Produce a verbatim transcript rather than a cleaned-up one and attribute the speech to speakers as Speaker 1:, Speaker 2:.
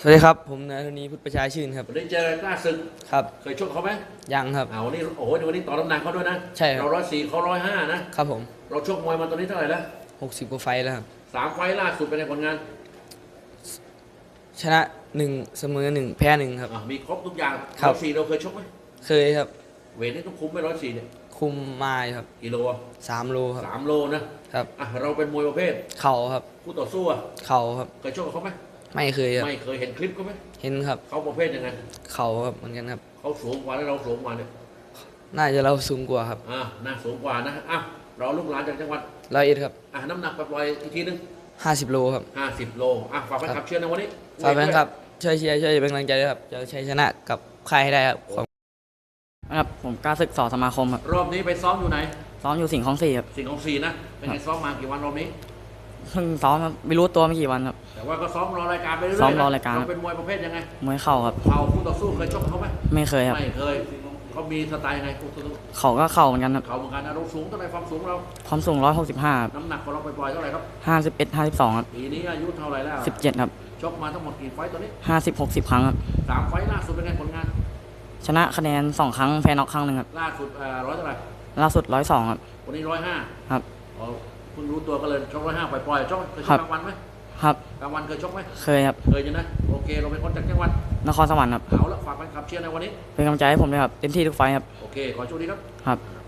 Speaker 1: วัสดีครับผมนายธนีพุทธประชาชื่นครับ
Speaker 2: วันนี้เจอกล้าศึก
Speaker 1: ครับ
Speaker 2: เคยชกเขาไหม
Speaker 1: ยังครับ
Speaker 2: เอาวันนี้โอ้โหวันนี้ต่อน้ำหนักเขาด้วยนะ
Speaker 1: ใช่ครับ
Speaker 2: เราร้อยสี่เขาร้อยห้านะครับ
Speaker 1: ผม
Speaker 2: เราชกมวยมาตอนนี้เท่าไหร่แล้ว
Speaker 1: หกสิบกว่าไฟล์แล้วครับ
Speaker 2: สามไฟล์ล่าสุดเป็นไงผลงาน
Speaker 1: ชนะหนึ่งเสมอหนึ่งแพ้หนึ่งครับ
Speaker 2: อ่ะมีครบทุกอย่าง
Speaker 1: ครับ
Speaker 2: ร้อยสี่เราเคยชกไหม
Speaker 1: เคยครับ
Speaker 2: เวทนี่ต้องคุมไหมร้อยสี่เนี่ย
Speaker 1: คุมมาอยู่ครับ
Speaker 2: กิโลอะ
Speaker 1: สามโลครับ
Speaker 2: สามโลนะครับอ่ะเราเป็นมวยประเภท
Speaker 1: เข่าครับ
Speaker 2: คู่ต่อสู้อ่ะ
Speaker 1: เข่าครับ
Speaker 2: เคยชกกับเขาไหม
Speaker 1: ไม่เคยครับ
Speaker 2: ไม่เคยเห็นคลิปเขาไหม
Speaker 1: เห็นครับ
Speaker 2: เขาประเภทยังไง
Speaker 1: เข่าครับเหมือนกันครับ
Speaker 2: เขาสูงกว่าแล้วเราสูงกว่าเนี่ย
Speaker 1: น่าจะเราสูงกว่าครับ
Speaker 2: อ่าน่าสูงกว่านะอ่ะเราลูกหลานจากจังหวัด
Speaker 1: ร้อยเอ็ดครับ
Speaker 2: อ่ะน้ำหนักปล่อยๆอีกทีนึง
Speaker 1: ห้าสิบโลครับ
Speaker 2: ห้าสิบโลอ่ะฝากแฟนคลับเชียร์ในวันนี้
Speaker 1: ฝากแฟนคลับช่วยเชียร์ช่วยเป็นกำลังใจด้วยครับจะชัยชนะกับใครให้ได้ครับ
Speaker 3: ครับผมกล้าศึกสอสมาคมครับ
Speaker 2: รอบนี้ไปซ้อมอยู่ไหน
Speaker 3: ซ้อมอยู่สิงห์คลองสี่ครับ
Speaker 2: สิ่งของสี่นะเป็นไงซ้อมมากี่วันรอบนี้
Speaker 3: เพิ่งซ้อมครับไม่รู้ตัวไม่กี่วันครับ
Speaker 2: แต่ว่าก็ซ้อมรอรายการไปเรื่อยๆ
Speaker 3: ซ้อมรอรายการ
Speaker 2: เราเป็นมวยประเภทยังไง
Speaker 3: มวยเข่าครับ
Speaker 2: เข่าคู่ต่อสู้เคยชกเขาไหม
Speaker 3: ไม่เคยครับ
Speaker 2: ไม่เคยเขามีสไตล์ยังไงคู่ต่อสู้
Speaker 3: เข่าก็เข่าเหมือนกันครับ
Speaker 2: เข่าเหมือนกันนะเราสูงเท่าไหร่ความสูงเรา
Speaker 3: ความสูงร้อยหกสิบห้า
Speaker 2: น้ำหนักของเราปล่อยๆเท่าไหร่ครับ
Speaker 3: ห้าสิบเอ็ดห้าสิบสองครับ
Speaker 2: ปีนี้อายุเท่าไหร่แล้ว
Speaker 3: สิบเจ็ดครับ
Speaker 2: ชกมาทั้งหมดกี่ไฟต์ตอนนี้
Speaker 3: ห้าสิบหกสิบครั้งครับ
Speaker 2: สามไฟต์ล่าสุดเป็นไงผลงาน
Speaker 3: ชนะคะแนนสองครั้งแพ้น็อกครั้งหนึ่งครับ
Speaker 2: ล่าสุดร้อยเท่าไหร่
Speaker 3: ล่าสุดร้อยสองครับ
Speaker 2: วันนี้ร้อยห้า
Speaker 3: ครับ
Speaker 2: อ๋อเพิ่งรู้ตัวก็เลยชกร้อยห้าปล่อยๆชกเคยชกกลางวันไหม
Speaker 3: ครับ
Speaker 2: กลางวันเคยชกไหม
Speaker 3: เคยครับ
Speaker 2: เคยอยู่นะโอเคเราเป็นคนจากจังหวัด
Speaker 3: นครสวรรค์ครับ
Speaker 2: เอาละฝากแฟนคลับเชียร์ในวันนี้
Speaker 3: เป็นกำลังใจให้ผมด้วยครับเต็มที่ทุกไฟครับ
Speaker 2: โอเคขอโชคดีครับ
Speaker 3: ครับ